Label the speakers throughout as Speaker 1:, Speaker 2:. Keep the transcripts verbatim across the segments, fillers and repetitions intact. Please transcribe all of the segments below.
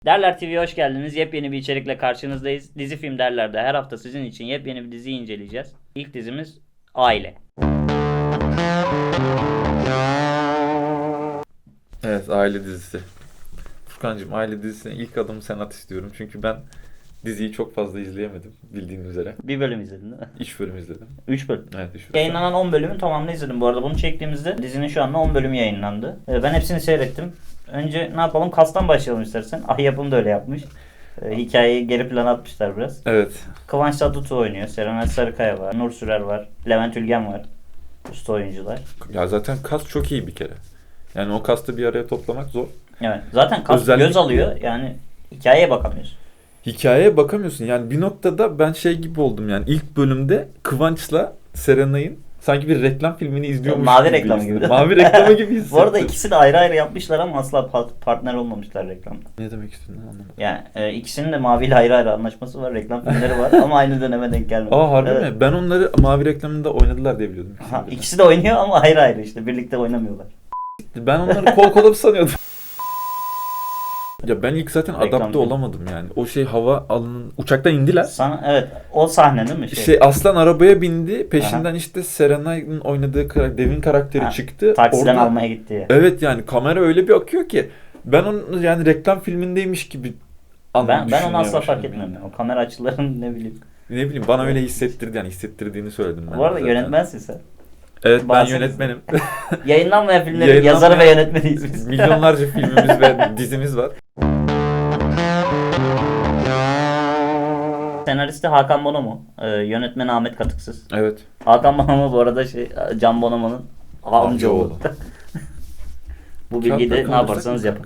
Speaker 1: Derler T V'ye hoş geldiniz. Yepyeni bir içerikle karşınızdayız. Dizi Film Derler'de her hafta sizin için yepyeni bir diziyi inceleyeceğiz. İlk dizimiz Aile.
Speaker 2: Evet, Aile dizisi. Furkancığım, Aile dizisine ilk adımı sen at istiyorum. Çünkü ben diziyi çok fazla izleyemedim bildiğin üzere.
Speaker 1: Bir bölüm izledin değil mi?
Speaker 2: üç bölüm izledim.
Speaker 1: üç bölüm.
Speaker 2: Evet, üç bölüm.
Speaker 1: Yayınlanan on bölümün tamamını izledim bu arada. Bunu çektiğimizde dizinin şu anda on bölümü yayınlandı. Ee, Ben hepsini seyrettim. Önce ne yapalım? Kastan başlayalım istersen. Ah Yapım da öyle yapmış. Ee, Hikayeyi geri plana atmışlar biraz.
Speaker 2: Evet.
Speaker 1: Kıvanç Tatlıtuğ oynuyor. Serenay Sarıkaya var. Nur Sürer var. Levent Ülgen var. Usta oyuncular.
Speaker 2: Ya zaten kas çok iyi bir kere. Yani o kastı bir araya toplamak zor.
Speaker 1: Evet. Zaten kas
Speaker 2: Özellikle-
Speaker 1: göz alıyor. Yani hikayeye bakamıyorsun.
Speaker 2: Hikayeye bakamıyorsun. Yani bir noktada ben şey gibi oldum yani. İlk bölümde Kıvanç'la Serenay'ın sanki bir reklam filmini izliyormuş
Speaker 1: Mavi
Speaker 2: gibi
Speaker 1: reklamı
Speaker 2: hissettim.
Speaker 1: gibi.
Speaker 2: Mavi reklamı gibi hissettim.
Speaker 1: Bu arada ikisi de ayrı ayrı yapmışlar ama asla pa- partner olmamışlar reklamda.
Speaker 2: Ne demek istediğini anlamadım.
Speaker 1: Yani e, ikisinin de Mavi ile ayrı ayrı anlaşması var. Reklam filmleri var ama aynı döneme denk gelmemiş.
Speaker 2: Aa harbi
Speaker 1: Evet.
Speaker 2: mi? Ben onları Mavi reklamında oynadılar diye biliyordum.
Speaker 1: Ha,
Speaker 2: ikisini de.
Speaker 1: ikisi de oynuyor ama ayrı ayrı işte. Birlikte oynamıyorlar.
Speaker 2: Ben onları kol kola sanıyordum. Ya ben ilk zaten
Speaker 1: Reklam
Speaker 2: adapte
Speaker 1: film.
Speaker 2: olamadım yani. O şey hava alanın uçaktan indiler.
Speaker 1: Sana evet o sahne değil mi? Şey,
Speaker 2: Şey Aslan arabaya bindi. Peşinden işte Serenay'ın oynadığı karakter, Devin karakteri
Speaker 1: Ha,
Speaker 2: çıktı.
Speaker 1: taksiden
Speaker 2: Orada-
Speaker 1: almaya gitti ya.
Speaker 2: Evet yani kamera öyle bir akıyor ki ben onu yani reklam filmindeymiş gibi an-
Speaker 1: Ben ben onu
Speaker 2: düşünmeye
Speaker 1: asla fark
Speaker 2: başladım
Speaker 1: etmiyorum.
Speaker 2: yani.
Speaker 1: O kamera açılarını ne bileyim.
Speaker 2: Ne bileyim bana öyle hissettirdi yani hissettirdiğini söyledim ben.
Speaker 1: Bu arada
Speaker 2: zaten.
Speaker 1: yönetmensin sen.
Speaker 2: Evet ben
Speaker 1: Bahsedin.
Speaker 2: yönetmenim.
Speaker 1: Yayınlanmayan filmlerin
Speaker 2: Yayınlanmayan-
Speaker 1: yazarı ve yönetmeniyiz biz.
Speaker 2: Milyonlarca filmimiz ve dizimiz var.
Speaker 1: Senaristi Hakan Bonomo, e, yönetmeni Ahmet Katıksız.
Speaker 2: Evet.
Speaker 1: Hakan Bonomo bu arada şey Can Bonomo'nun amcaoğlu. Bu bilgiyi de ne yaparsanız yapın.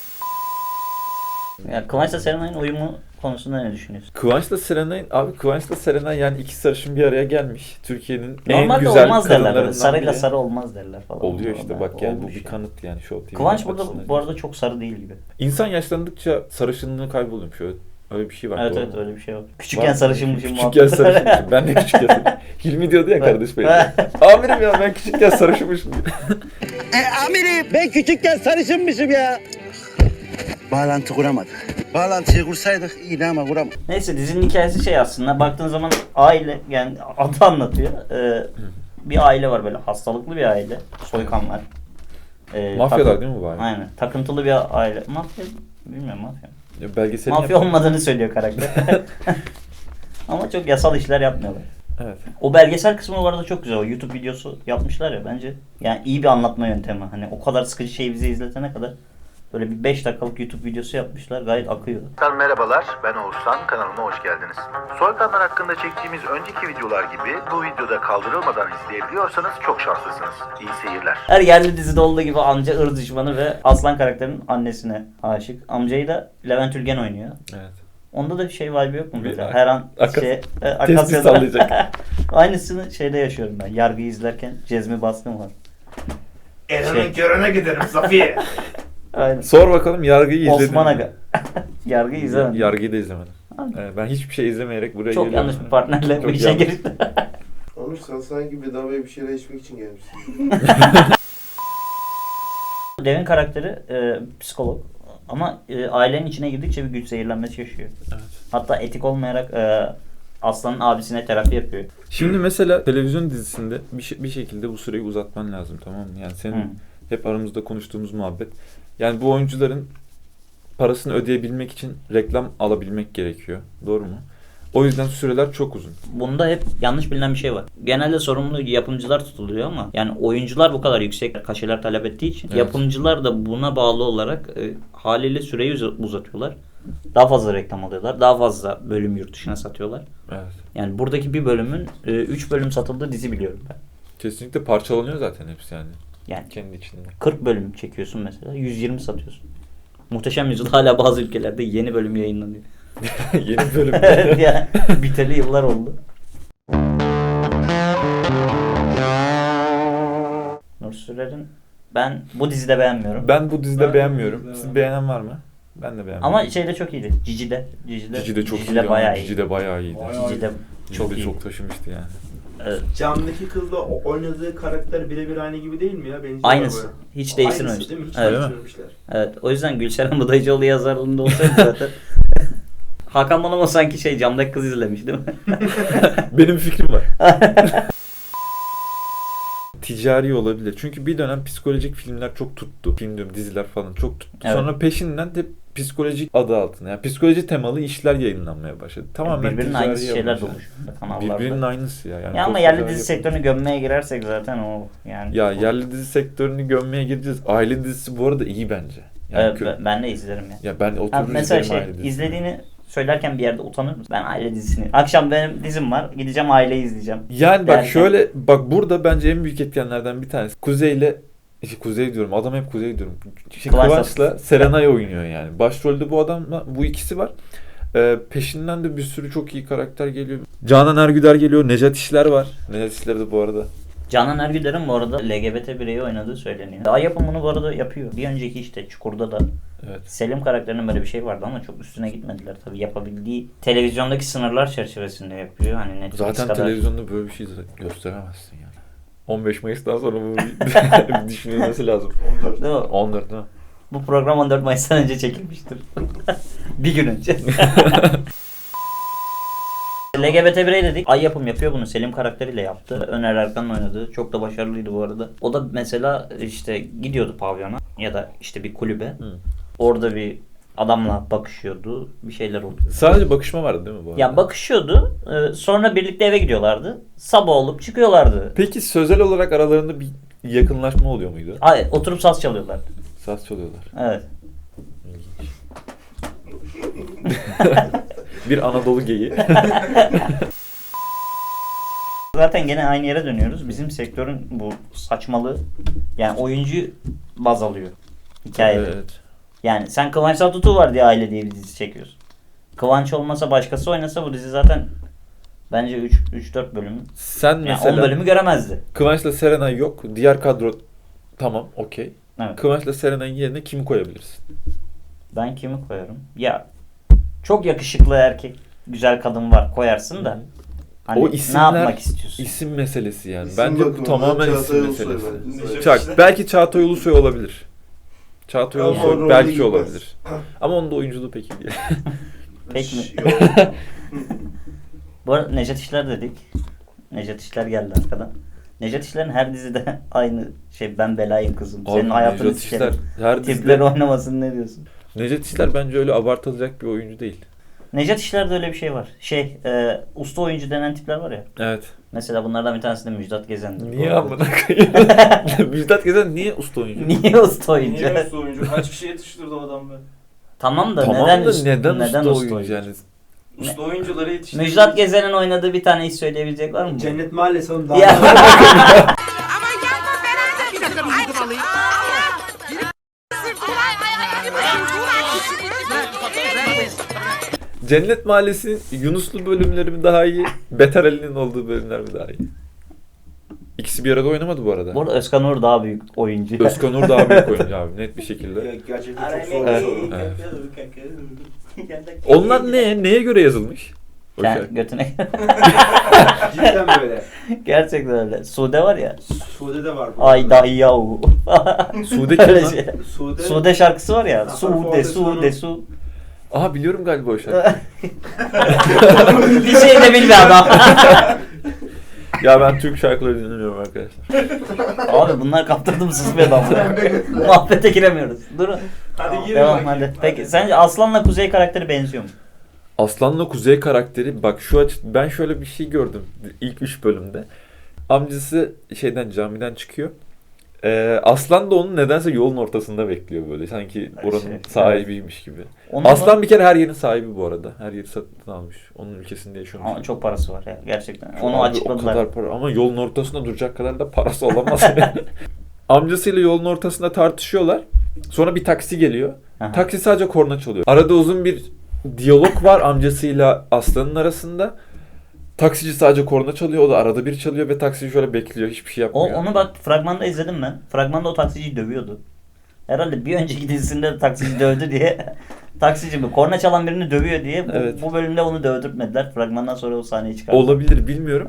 Speaker 1: Ya Kıvanç'la Serenay'ın uyumu konusunda ne düşünüyorsun?
Speaker 2: Kıvanç'la Serenay, abi Kıvanç'la Serenay yani iki sarışın bir araya gelmiş. Türkiye'nin en
Speaker 1: Normalde
Speaker 2: güzel
Speaker 1: olmaz derler. Böyle.
Speaker 2: kadınlarından
Speaker 1: Sarıyla
Speaker 2: biri.
Speaker 1: sarı olmaz derler falan.
Speaker 2: Oluyor işte bak yani bu
Speaker 1: Olmuş
Speaker 2: bir
Speaker 1: ya.
Speaker 2: kanıt yani Show T V.
Speaker 1: Kıvanç burada
Speaker 2: açısından.
Speaker 1: bu arada çok sarı değil gibi.
Speaker 2: İnsan yaşlandıkça sarışınlığı kayboluyor. Şöyle öyle bir şey var.
Speaker 1: Evet
Speaker 2: doğru
Speaker 1: evet
Speaker 2: mu?
Speaker 1: öyle bir şey var.
Speaker 2: Var
Speaker 1: Küçükken
Speaker 2: mı?
Speaker 1: sarışınmışım
Speaker 2: Küçükken sarışınmışım. Ben de küçükken sarışınmışım. Hilmi diyordu ya kardeş benim. Amirim ya ben küçükken sarışınmışım.
Speaker 3: E, amirim ben küçükken sarışınmışım ya. Bağlantı kuramadık. Bağlantıyı kursaydık iyiydi ama kuramadık.
Speaker 1: Neyse dizinin hikayesi şey aslında baktığın zaman aile yani adı anlatıyor. Ee, bir aile var böyle hastalıklı bir aile. Soykanlar. Ee,
Speaker 2: Mafyalar
Speaker 1: takın-
Speaker 2: değil mi bu aile?
Speaker 1: Aynen. Takıntılı bir aile. Mafya bilmiyorum mafya.
Speaker 2: Ya belgeseli
Speaker 1: Mafya
Speaker 2: yap-
Speaker 1: olmadığını söylüyor karakter. Ama çok yasal işler yapmıyorlar.
Speaker 2: Evet.
Speaker 1: O belgesel kısmı bu arada çok güzel. O YouTube videosu yapmışlar ya bence. Yani iyi bir anlatma yöntemi. Hani o kadar sıkıcı şeyi bize izletene kadar böyle bir beş dakikalık YouTube videosu yapmışlar. Gayet akıyor.
Speaker 4: Arkadaşlar merhabalar, ben Oğuzhan, kanalıma hoş geldiniz. Soykanlar hakkında çektiğimiz önceki videolar gibi bu videoda kaldırılmadan izleyebiliyorsanız çok şanslısınız. İyi seyirler.
Speaker 1: Her yerli dizide olduğu gibi amca ırz düşmanı ve Aslan karakterinin annesine aşık. Amcayı da Levent Ülgen oynuyor.
Speaker 2: Evet.
Speaker 1: Onda da bir şey vibe yok mu?
Speaker 2: Bir
Speaker 1: Böyle?
Speaker 2: ak-
Speaker 1: Her an
Speaker 2: akas-
Speaker 1: şey, e,
Speaker 2: Tespih
Speaker 1: Akasya'da-
Speaker 2: sallayacak.
Speaker 1: Aynısını şeyde yaşıyorum ben. Yargıyı izlerken Cezmi Baskın var. Şey,
Speaker 4: körüne giderim Safiye.
Speaker 1: aynen.
Speaker 2: Sor bakalım yargıyı izledin
Speaker 1: Osman
Speaker 2: mi?
Speaker 1: Aga. Yargıyı izlemedim.
Speaker 2: Yargıyı da izlemedim.
Speaker 1: Abi.
Speaker 2: Ee, ben hiçbir şey izlemeyerek buraya
Speaker 1: Çok
Speaker 2: geliyorum.
Speaker 1: yanlış bir partnerle bu
Speaker 2: Çok
Speaker 1: işe
Speaker 2: yanlış.
Speaker 1: girdi.
Speaker 5: Onur sen sanki bedavaya bir şeyler içmek için gelmişsin.
Speaker 1: Devin karakteri e, psikolog. Ama e, ailenin içine girdikçe bir güç zehirlenmesi yaşıyor.
Speaker 2: Evet.
Speaker 1: Hatta etik olmayarak e, Aslan'ın abisine terapi yapıyor.
Speaker 2: Şimdi mesela televizyon dizisinde bir, şey- bir şekilde bu süreyi uzatman lazım, tamam mı? Yani senin
Speaker 1: Hı.
Speaker 2: hep aramızda konuştuğumuz muhabbet. Yani bu oyuncuların parasını ödeyebilmek için reklam alabilmek gerekiyor. Doğru mu? O yüzden süreler çok uzun.
Speaker 1: Bunda hep yanlış bilinen bir şey var. Genelde sorumlu yapımcılar tutuluyor ama yani oyuncular bu kadar yüksek kaşeler talep ettiği için
Speaker 2: Evet.
Speaker 1: yapımcılar da buna bağlı olarak e, haliyle süreyi uz- uzatıyorlar. Daha fazla reklam alıyorlar. Daha fazla bölüm yurt dışına satıyorlar.
Speaker 2: Evet.
Speaker 1: Yani buradaki bir bölümün üç bölüm satıldığı dizi biliyorum ben.
Speaker 2: Kesinlikle parçalanıyor zaten hepsi yani.
Speaker 1: Yani
Speaker 2: Kendi içinde.
Speaker 1: kırk bölüm çekiyorsun mesela. yüz yirmi satıyorsun. Muhteşem Yüzyıl hala bazı ülkelerde yeni bölüm yayınlanıyor.
Speaker 2: Yeni bölüm.
Speaker 1: Yani biteli yıllar oldu. Nur Sürer'in ben bu dizide beğenmiyorum.
Speaker 2: Ben bu dizide
Speaker 5: Ben
Speaker 2: beğenmiyorum.
Speaker 5: bu dizide
Speaker 2: Siz
Speaker 5: beğenmiyorum.
Speaker 2: beğenen var mı? Ben de beğenmiyorum.
Speaker 1: Ama şeyde çok iyiydi. Cici'de. Cici'de,
Speaker 2: Cici de çok
Speaker 1: Cici'de
Speaker 2: iyiydi.
Speaker 1: bayağı
Speaker 2: ama
Speaker 1: iyi.
Speaker 2: Cici de bayağı iyiydi.
Speaker 5: Bayağı
Speaker 1: Cici'de
Speaker 2: Cici
Speaker 1: çok
Speaker 2: de
Speaker 1: iyi.
Speaker 2: çok taşımıştı yani.
Speaker 1: Evet.
Speaker 6: Camdaki kızla o- oynadığı karakter birebir aynı gibi değil mi ya? Benziyor
Speaker 1: Aynısı.
Speaker 6: böyle.
Speaker 1: Hiç
Speaker 6: Aynısı
Speaker 1: değiştirmemiş.
Speaker 6: değil mi? Hiç
Speaker 1: Evet.
Speaker 6: değiştirmemişler.
Speaker 1: Evet. O yüzden Gülşeren Budayıcıoğlu yazarlığında olsaydı zaten Hakan Bonomo sanki şey camdaki kız izlemiş değil mi?
Speaker 2: Benim fikrim var. Ticari olabilir. Çünkü bir dönem psikolojik filmler çok tuttu. Film diyorum, diziler falan çok tuttu.
Speaker 1: Evet.
Speaker 2: Sonra peşinden de psikolojik adı altında. Yani psikoloji temalı işler yayınlanmaya başladı. Tamamen
Speaker 1: Birbirinin
Speaker 2: ticari
Speaker 1: aynısı şeyler
Speaker 2: amaçlı.
Speaker 1: dolu şu anda kanallarda.
Speaker 2: Birbirinin aynısı ya. Yani
Speaker 1: Ya ama
Speaker 2: çok
Speaker 1: yerli
Speaker 2: ticari
Speaker 1: dizi
Speaker 2: yapıyor.
Speaker 1: sektörünü gömmeye girersek zaten o yani.
Speaker 2: Ya yerli dizi sektörünü gömmeye gireceğiz. Aile dizisi bu arada iyi bence. Yani
Speaker 1: Evet,
Speaker 2: kö-
Speaker 1: ben, ben de izlerim ya.
Speaker 2: Ya ben
Speaker 1: Ha,
Speaker 2: oturur
Speaker 1: mesela
Speaker 2: izlerim
Speaker 1: şey
Speaker 2: aile dizisini.
Speaker 1: izlediğini söylerken bir yerde utanır mısın? Ben aile dizisini. Akşam benim dizim var. Gideceğim aileyi izleyeceğim.
Speaker 2: Yani bak
Speaker 1: derken-
Speaker 2: şöyle, bak burada bence en büyük etkenlerden bir tanesi. Kuzey'le işte Kuzey diyorum. Adam hep Kuzey diyorum. Şey,
Speaker 1: Kıvanç
Speaker 2: Kıvanç'la Serenay oynuyor yani. Başrolde bu adamla bu ikisi var. Ee, peşinden de bir sürü çok iyi karakter geliyor. Canan Ergüder geliyor. Nejat İşler var. Nejat İşler de bu arada.
Speaker 1: Canan Ergüder'in bu arada L G B T bireyi oynadığı söyleniyor. Daha yapımını bu arada yapıyor. Bir önceki işte Çukur'da da
Speaker 2: Evet.
Speaker 1: Selim karakterinin böyle bir şey vardı ama çok üstüne gitmediler. Tabii yapabildiği televizyondaki sınırlar çerçevesinde yapıyor. Hani Netflix
Speaker 2: Zaten
Speaker 1: kadar.
Speaker 2: televizyonda böyle bir şey gösteremezsin yani. on beş Mayıs'tan sonra bu bir düşünülmesi lazım.
Speaker 5: on dört.
Speaker 1: Değil mi?
Speaker 2: on dört değil mi?
Speaker 1: Bu program on dört Mayıs'tan önce çekilmiştir. Bir gün önce. L G B T birey dedik. Ay yapım yapıyor bunu. Selim karakteriyle yaptı. Öner Erkan'ın oynadığı. Çok da başarılıydı bu arada. O da mesela işte gidiyordu pavyona ya da işte bir kulübe.
Speaker 2: Hı.
Speaker 1: Orada bir adamla bakışıyordu. Bir şeyler oldu.
Speaker 2: Sadece bakışma vardı değil mi bu arada?
Speaker 1: Ya bakışıyordu. Ee, Sonra birlikte eve gidiyorlardı. Sabah olup çıkıyorlardı.
Speaker 2: Peki sözel olarak aralarında bir yakınlaşma oluyor muydu?
Speaker 1: Ay, oturup saz çalıyorlardı.
Speaker 2: Saz çalıyorlar.
Speaker 1: Evet.
Speaker 2: Bir Anadolu geyi.
Speaker 1: Zaten gene aynı yere dönüyoruz. Bizim sektörün bu saçmalığı yani oyuncu baz alıyor hikayede.
Speaker 2: Evet.
Speaker 1: Yani sen Kıvanç Tatlıtuğ var diye Aile diye bir dizi çekiyorsun. Kıvanç olmasa başkası oynasa bu dizi zaten bence üç dört bölüm
Speaker 2: Sen
Speaker 1: yani
Speaker 2: mesela
Speaker 1: on bölümü göremezdi.
Speaker 2: Kıvanç'la Serenay yok. Diğer kadro tamam okey.
Speaker 1: Evet.
Speaker 2: Kıvanç'la Serenay'ın yerine kimi koyabilirsin?
Speaker 1: Ben kimi koyarım? Ya çok yakışıklı erkek, güzel kadın var koyarsın da. Hani
Speaker 2: O
Speaker 1: ne
Speaker 2: isimler
Speaker 1: yapmak istiyorsun?
Speaker 2: isim meselesi yani.
Speaker 5: İsim
Speaker 2: Bence bu
Speaker 5: bakımından
Speaker 2: tamamen
Speaker 5: Çağatay
Speaker 2: isim
Speaker 5: Ulusoy
Speaker 2: meselesi.
Speaker 5: bence.
Speaker 2: Çak, belki Çağatay Ulusoy olabilir. Çağatay
Speaker 5: Ama
Speaker 2: Ulusoy
Speaker 5: rolü
Speaker 2: belki
Speaker 5: gitmez.
Speaker 2: olabilir. Ama onun da oyunculuğu pek iyi değil.
Speaker 1: Pek mi?
Speaker 5: Yok.
Speaker 1: Bu arada Nejat İşler dedik. Nejat İşler geldi arkadan. Nejat İşler'in her dizide aynı şey, ben belayım kızım. Senin
Speaker 2: Abi,
Speaker 1: hayatını
Speaker 2: Nejat İşler
Speaker 1: sikerim.
Speaker 2: her
Speaker 1: Tipleri
Speaker 2: dizide...
Speaker 1: oynamasın, ne diyorsun?
Speaker 2: Nejat İşler bence öyle abartılacak bir oyuncu değil.
Speaker 1: Nejat İşler'de öyle bir şey var. Şey, e, usta oyuncu denen tipler var ya.
Speaker 2: Evet.
Speaker 1: Mesela bunlardan bir tanesi de Müjdat Gezen'dir.
Speaker 2: Niye
Speaker 1: Bu arada.
Speaker 2: amına koyayım? Müjdat Gezen niye usta oyuncu?
Speaker 1: Niye usta oyuncu?
Speaker 6: Niye usta oyuncu? Kaç kişi yetiştirdi o adam be?
Speaker 1: Tamam da
Speaker 2: Tamam
Speaker 1: neden,
Speaker 2: da
Speaker 1: üst-
Speaker 2: neden,
Speaker 1: neden
Speaker 2: usta oyuncu yani?
Speaker 6: Usta oyuncuları yetiştirdi.
Speaker 1: Müjdat Gezen'in oynadığı bir tane iş söyleyebilecek var mı?
Speaker 6: Cennet Mahallesi onun daha.
Speaker 1: Ya.
Speaker 2: Cennet Mahallesi'nin Yunuslu bölümleri mi daha iyi? Beter Ali'nin olduğu bölümler mi daha iyi? İkisi bir arada oynamadı bu arada.
Speaker 1: Bu arada Özkan Uğur daha büyük oyuncu.
Speaker 2: Özkan Uğur daha büyük oyuncu abi net bir şekilde.
Speaker 5: Ya, gerçekten çok zor bir
Speaker 2: Evet.
Speaker 5: soru.
Speaker 2: Evet. Onlar ne? Neye göre yazılmış? O
Speaker 1: Sen
Speaker 2: şarkı.
Speaker 1: götüne.
Speaker 6: Cidden böyle.
Speaker 1: Gerçekten öyle. Sude var ya.
Speaker 6: Sude de var bu.
Speaker 1: Ay dahi yahu.
Speaker 2: Sude kim
Speaker 1: Öyle
Speaker 2: lan?
Speaker 1: şey.
Speaker 6: Sude.
Speaker 1: Sude şarkısı var ya.
Speaker 6: Zafer
Speaker 1: Sude,
Speaker 6: Fuat
Speaker 1: Sude,
Speaker 6: Özkan'ın-
Speaker 1: Su.
Speaker 2: Aha biliyorum galiba o şarkı.
Speaker 1: Bir şey de bilmiyor adam.
Speaker 2: Ya ben Türk şarkıları dinlemiyorum arkadaşlar.
Speaker 1: Abi bunlar kaptırdım sus be adamı. Muhabbete giremiyoruz. Durun.
Speaker 6: Hadi girin
Speaker 1: Devam
Speaker 6: bakayım.
Speaker 1: hadi. Peki sence Aslan'la Kuzey karakteri benziyor mu?
Speaker 2: Aslan'la Kuzey karakteri bak şu aç ben şöyle bir şey gördüm ilk üç bölümde. Amcası şeyden camiden çıkıyor. Ee, Aslan da onun nedense yolun ortasında bekliyor böyle. Sanki oranın
Speaker 1: Şey,
Speaker 2: sahibiymiş gibi.
Speaker 1: Onun
Speaker 2: Aslan bir kere her yerin sahibi bu arada. Her yeri satın almış. Onun ülkesinde yaşıyormuş.
Speaker 1: Ama çok parası var ya gerçekten.
Speaker 2: Çok
Speaker 1: Onu
Speaker 2: abi,
Speaker 1: açıkladılar.
Speaker 2: O kadar para ama yolun ortasında duracak kadar da parası olamaz. Yani. Amcasıyla yolun ortasında tartışıyorlar. Sonra bir taksi geliyor.
Speaker 1: Aha.
Speaker 2: Taksi sadece korna çalıyor. Arada uzun bir diyalog var amcasıyla Aslan'ın arasında. Taksici sadece korna çalıyor. O da arada bir çalıyor ve taksici şöyle bekliyor. Hiçbir şey
Speaker 1: O,
Speaker 2: yapmıyor.
Speaker 1: onu bak fragmanda izledim ben. Fragmanda o taksiciyi dövüyordu. Herhalde bir önceki dizisinde de taksici dövdü diye. Taksici mi? Korna çalan birini dövüyor diye. Bu,
Speaker 2: Evet.
Speaker 1: bu bölümde onu dövdürtmediler. Fragmandan sonra o sahneyi çıkardı.
Speaker 2: Olabilir bilmiyorum.
Speaker 1: Evet.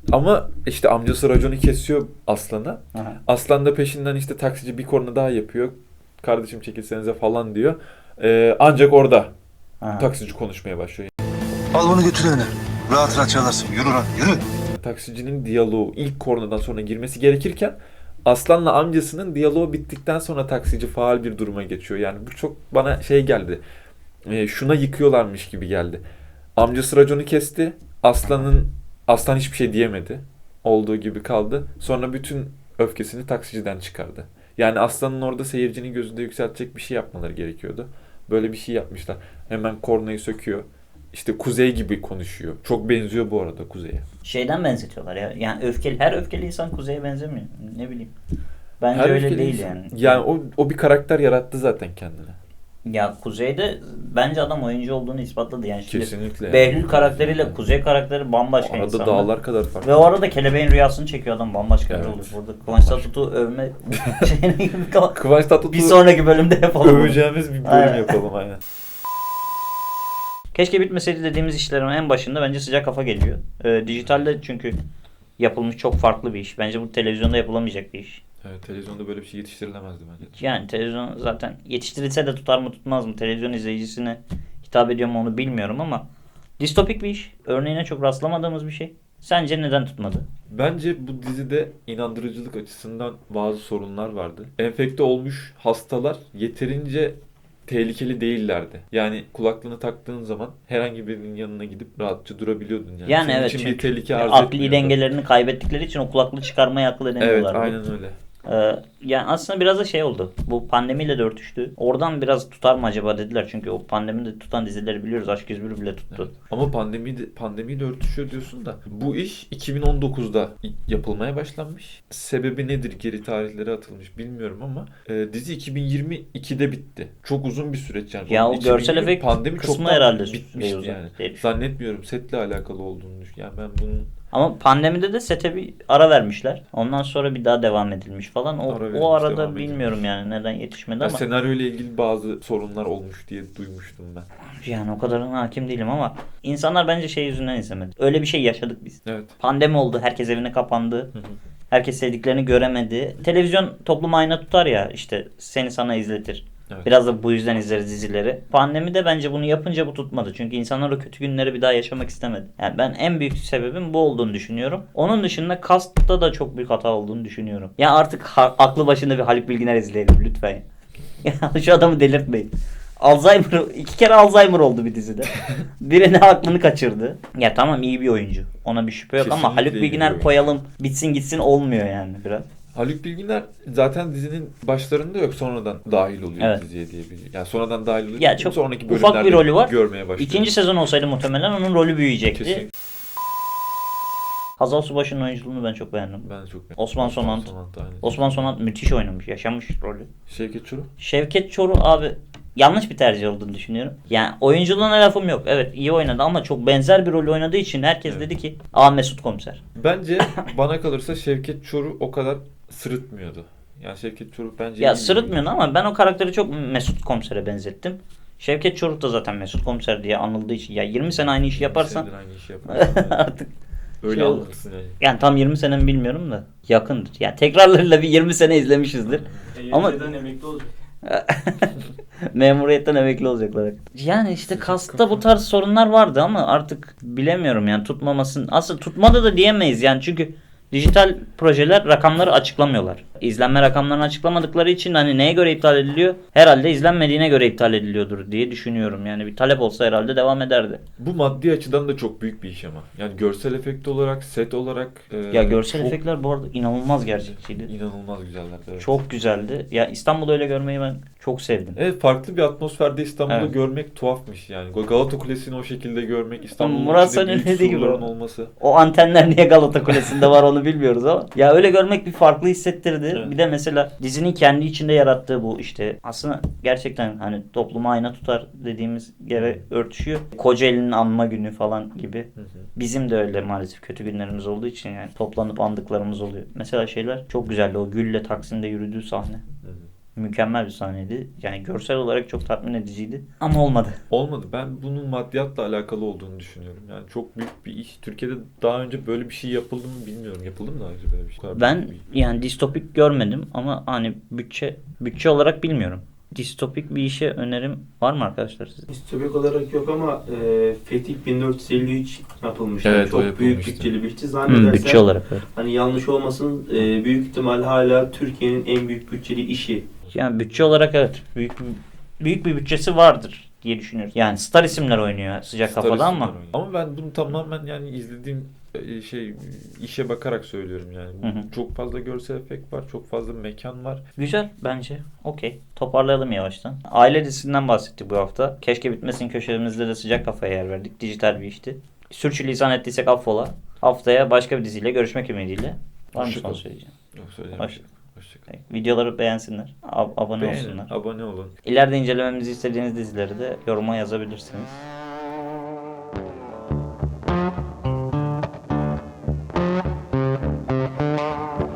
Speaker 2: Ama işte amcası raconu kesiyor Aslan'a.
Speaker 1: Aha.
Speaker 2: Aslan da peşinden işte taksici bir korna daha yapıyor. Kardeşim çekilsenize falan diyor. Ee, ancak orada
Speaker 1: Aha.
Speaker 2: taksici konuşmaya başlıyor.
Speaker 3: Al bunu götür evine. Rahat rahat çalarsın. Yürü lan yürü.
Speaker 2: Taksicinin diyaloğu ilk kornadan sonra girmesi gerekirken Aslan'la amcasının diyaloğu bittikten sonra taksici faal bir duruma geçiyor. Yani bu çok bana şey geldi. E, şuna yıkıyorlarmış gibi geldi. Amcası raconu kesti. Aslan'ın Aslan hiçbir şey diyemedi. Olduğu gibi kaldı. Sonra bütün öfkesini taksiciden çıkardı. Yani Aslan'ın orada seyircinin gözünde yükseltecek bir şey yapmaları gerekiyordu. Böyle bir şey yapmışlar. Hemen kornayı söküyor. İşte Kuzey gibi konuşuyor. Çok benziyor bu arada Kuzey'e.
Speaker 1: Şeyden benzetiyorlar ya. Yani öfkeli, her öfkeli insan Kuzey'e benzemiyor. Ne bileyim. Bence
Speaker 2: Her
Speaker 1: öyle
Speaker 2: öfkeli
Speaker 1: değil
Speaker 2: insan-
Speaker 1: yani.
Speaker 2: Yani o, o bir karakter yarattı zaten kendine.
Speaker 1: Ya Kuzey'de bence adam oyuncu olduğunu ispatladı yani. Şimdi
Speaker 2: Kesinlikle. yani.
Speaker 1: Behlül karakteriyle Kuzey karakteri bambaşka
Speaker 2: Arada
Speaker 1: insanlar.
Speaker 2: dağlar kadar fark.
Speaker 1: Ve o arada kelebeğin rüyasını çekiyor adam, bambaşka
Speaker 2: Evet.
Speaker 1: bir oluyor. Burada Kıvanç Tatlıtuğ övme şeyine gibi kalan.
Speaker 2: Kıvanç Tatlıtuğ
Speaker 1: Bir sonraki bölümde yapalım. bunu.
Speaker 2: öveceğimiz bir bölüm
Speaker 1: Aynen.
Speaker 2: yapalım aynen.
Speaker 1: Keşke bitmeseydi dediğimiz işlerin en başında bence sıcak kafa geliyor. Ee, dijitalde çünkü yapılmış çok farklı bir iş. Bence bu televizyonda yapılamayacak bir iş.
Speaker 2: Evet, televizyonda böyle bir şey yetiştirilemezdi bence.
Speaker 1: Yani televizyon zaten yetiştirilse de tutar mı tutmaz mı? Televizyon izleyicisine hitap ediyor mu onu bilmiyorum ama distopik bir iş. Örneğine çok rastlamadığımız bir şey. Sence neden tutmadı?
Speaker 2: Bence bu dizide inandırıcılık açısından bazı sorunlar vardı. Enfekte olmuş hastalar yeterince tehlikeli değillerdi. Yani kulaklığını taktığın zaman herhangi birinin yanına gidip rahatça durabiliyordun yani.
Speaker 1: Yani
Speaker 2: Senin
Speaker 1: evet,
Speaker 2: için
Speaker 1: çünkü
Speaker 2: bir tehlike arz
Speaker 1: akli
Speaker 2: etmiyordu.
Speaker 1: dengelerini kaybettikleri için o kulaklığı çıkarmaya akıl
Speaker 2: Evet,
Speaker 1: edemiyorlardı.
Speaker 2: aynen öyle.
Speaker 1: Ee, yani aslında biraz da şey oldu. Bu pandemiyle de örtüştü. Oradan biraz tutar mı acaba dediler. Çünkü o pandemide tutan dizileri biliyoruz. Aşk yüz bir bile tuttu.
Speaker 2: Evet. Ama pandemi de, pandemiyle örtüşüyor diyorsun da bu iş iki bin on dokuzda yapılmaya başlanmış. Sebebi nedir? Geri tarihleri atılmış bilmiyorum ama e, dizi iki bin yirmi ikide bitti. Çok uzun bir süreç yani.
Speaker 1: Ya o
Speaker 2: iki bin yirmi
Speaker 1: görsel efekt
Speaker 2: pandemi
Speaker 1: kısmı
Speaker 2: çoktan
Speaker 1: herhalde
Speaker 2: bitmişti
Speaker 1: şey
Speaker 2: yani.
Speaker 1: değil.
Speaker 2: Zannetmiyorum setle alakalı olduğunu düşün. Yani ben bunun
Speaker 1: Ama pandemide de sete bir ara vermişler. Ondan sonra bir daha devam edilmiş falan. O,
Speaker 2: Ara verilmiş,
Speaker 1: o arada
Speaker 2: devam
Speaker 1: bilmiyorum
Speaker 2: edilmiş.
Speaker 1: yani neden yetişmedi
Speaker 2: ya
Speaker 1: ama
Speaker 2: senaryo ile ilgili bazı sorunlar olmuş diye duymuştum ben.
Speaker 1: yani o kadarına hakim değilim ama insanlar bence şey yüzünden izlemedi. Öyle bir şey yaşadık biz.
Speaker 2: Evet.
Speaker 1: Pandemi oldu. Herkes evine kapandı.
Speaker 2: Hı hı.
Speaker 1: Herkes sevdiklerini göremedi. Televizyon toplum ayna tutar ya, işte seni sana izletir.
Speaker 2: Evet.
Speaker 1: Biraz da bu yüzden izleriz dizileri. Pandemi de bence bunu yapınca bu tutmadı. Çünkü insanlar o kötü günleri bir daha yaşamak istemedi. Yani ben en büyük sebebin bu olduğunu düşünüyorum. Onun dışında castta da çok büyük hata olduğunu düşünüyorum. Ya artık ha- aklı başında bir Haluk Bilginer izleyelim lütfen. Ya şu adamı delirtmeyin. Alzheimer, iki kere Alzheimer oldu bir dizide. Birini aklını kaçırdı. Ya tamam, iyi bir oyuncu. Ona bir şüphe yok ama
Speaker 2: Kesinlikle
Speaker 1: Haluk
Speaker 2: iyi bir
Speaker 1: Bilginer
Speaker 2: oyuncu.
Speaker 1: koyalım bitsin gitsin olmuyor yani biraz.
Speaker 2: Haluk Bilginer zaten dizinin başlarında yok, sonradan dahil oluyor
Speaker 1: Evet.
Speaker 2: diziye diye biliyorum. Yani sonradan dahil oluyor.
Speaker 1: Ya çok
Speaker 2: sonraki
Speaker 1: ufak
Speaker 2: bölümlerde
Speaker 1: bir rolü var.
Speaker 2: Görmeye başlıyor.
Speaker 1: İkinci sezon olsaydı muhtemelen onun rolü büyüyecekti.
Speaker 2: Kesin.
Speaker 1: Hazal Subaşı'nın oyunculuğunu ben çok beğendim.
Speaker 2: Ben de çok beğendim.
Speaker 1: Osman Sonant.
Speaker 2: aynen.
Speaker 1: Osman Sonat müthiş oynamış, yaşamış rolü.
Speaker 2: Şevket Çoruh.
Speaker 1: Şevket Çoruh abi yanlış bir tercih olduğunu düşünüyorum. Yani oyunculuğuna lafım yok. Evet, iyi oynadı ama çok benzer bir rol oynadığı için herkes
Speaker 2: Evet.
Speaker 1: dedi ki aa, Mesut Komiser.
Speaker 2: Bence bana kalırsa Şevket Çoruh o kadar sırıtmıyordu. Yani Şevket Çoruh bence
Speaker 1: Ya
Speaker 2: iyi bir
Speaker 1: sırıtmıyordu
Speaker 2: oyuncu.
Speaker 1: ama ben o karakteri çok Mesut Komiser'e benzettim. Şevket Çoruh da zaten Mesut Komiser diye anıldığı için ya yirmi sene aynı işi yaparsan
Speaker 2: Senedir aynı işi yaparsan
Speaker 1: artık
Speaker 2: öyle
Speaker 1: şey olur.
Speaker 2: anlatırsın yani.
Speaker 1: yani tam yirmi sene mi bilmiyorum da yakındır. Yani tekrarlarıyla bir yirmi sene izlemişizdir. Ama-
Speaker 6: Ama emekli olacak.
Speaker 1: Memuriyetten emekli olacaklar. Yani işte kasta bu tarz sorunlar vardı ama artık bilemiyorum yani tutmamasın. Aslında tutmadı da diyemeyiz yani çünkü dijital projeler rakamları açıklamıyorlar. İzlenme rakamlarını açıklamadıkları için hani neye göre iptal ediliyor? Herhalde izlenmediğine göre iptal ediliyordur diye düşünüyorum. Yani bir talep olsa herhalde devam ederdi.
Speaker 2: Bu maddi açıdan da çok büyük bir iş ama. Yani görsel efekt olarak, set olarak. e,
Speaker 1: Ya görsel
Speaker 2: çok
Speaker 1: efektler bu arada inanılmaz gerçekçiydi.
Speaker 2: İnanılmaz güzeller. Evet.
Speaker 1: Çok güzeldi. Ya İstanbul'u öyle görmeyi ben çok sevdim.
Speaker 2: Evet, farklı bir atmosferde İstanbul'u
Speaker 1: Evet.
Speaker 2: görmek tuhafmış yani. Galata Kulesi'ni o şekilde görmek, İstanbul'un
Speaker 1: Murat
Speaker 2: içinde
Speaker 1: San'ın
Speaker 2: büyük
Speaker 1: dediği gibi.
Speaker 2: surların olması.
Speaker 1: O antenler niye Galata Kulesi'nde var onu bilmiyoruz ama. Ya öyle görmek bir farklı hissettirdi.
Speaker 2: Evet.
Speaker 1: Bir de mesela dizinin kendi içinde yarattığı bu işte aslında gerçekten hani topluma ayna tutar dediğimiz yere örtüşüyor. Kocaeli'nin anma günü falan gibi.
Speaker 2: Hı hı.
Speaker 1: Bizim de öyle maalesef kötü günlerimiz olduğu için yani toplanıp andıklarımız oluyor. Mesela şeyler çok güzeldi. O Gül'le Taksim'de yürüdüğü sahne.
Speaker 2: Hı hı.
Speaker 1: mükemmel bir sahneydi. Yani görsel olarak çok tatmin ediciydi. Ama olmadı.
Speaker 2: Olmadı. Ben bunun maddiyatla alakalı olduğunu düşünüyorum. Yani çok büyük bir iş. Türkiye'de daha önce böyle bir şey yapıldı mı bilmiyorum. Yapıldı mı daha önce böyle bir şey? Bu kadar
Speaker 1: Ben
Speaker 2: büyük bir-
Speaker 1: yani distopik görmedim ama hani bütçe bütçe olarak bilmiyorum. Distopik bir işe önerim var mı arkadaşlar sizin?
Speaker 6: Distopik olarak yok ama e, Fetih bin dört yüz elli üç yapılmış. Yani
Speaker 2: Evet, o
Speaker 6: çok büyük
Speaker 2: yapılmıştı.
Speaker 6: bütçeli bir işti.
Speaker 1: Hmm,
Speaker 6: Zannedersem
Speaker 1: bütçe olarak evet.
Speaker 6: hani yanlış olmasın e, büyük ihtimal hala Türkiye'nin en büyük bütçeli işi.
Speaker 1: Yani bütçe olarak evet büyük büyük bir bütçesi vardır diye düşünüyoruz. Yani star isimler oynuyor sıcak
Speaker 2: Star
Speaker 1: kafada
Speaker 2: isimler
Speaker 1: ama
Speaker 2: oynuyor. Ama ben bunu tamamen yani izlediğim e, şey işe bakarak söylüyorum yani.
Speaker 1: Hı hı.
Speaker 2: Çok fazla görsel efekt var, çok fazla mekan var.
Speaker 1: güzel bence. Okey. Toparlayalım yavaştan. Aile dizisinden bahsettik bu hafta. Keşke bitmesin köşemizde de sıcak kafaya yer verdik. Dijital bir işti. Sürçülisan ettiysek affola. Haftaya başka bir diziyle görüşmek ümidiyle. Var mı
Speaker 2: Hoşça
Speaker 1: son
Speaker 2: kalın.
Speaker 1: söyleyeceğim?
Speaker 2: Yok söyleyeceğim.
Speaker 1: Hoş-
Speaker 2: bir şey yok. Hoşça kalın.
Speaker 1: Videoları beğensinler. ab- abone
Speaker 2: Beğenin,
Speaker 1: olsunlar.
Speaker 2: abone olun.
Speaker 1: İleride incelememizi istediğiniz dizileri de yoruma yazabilirsiniz.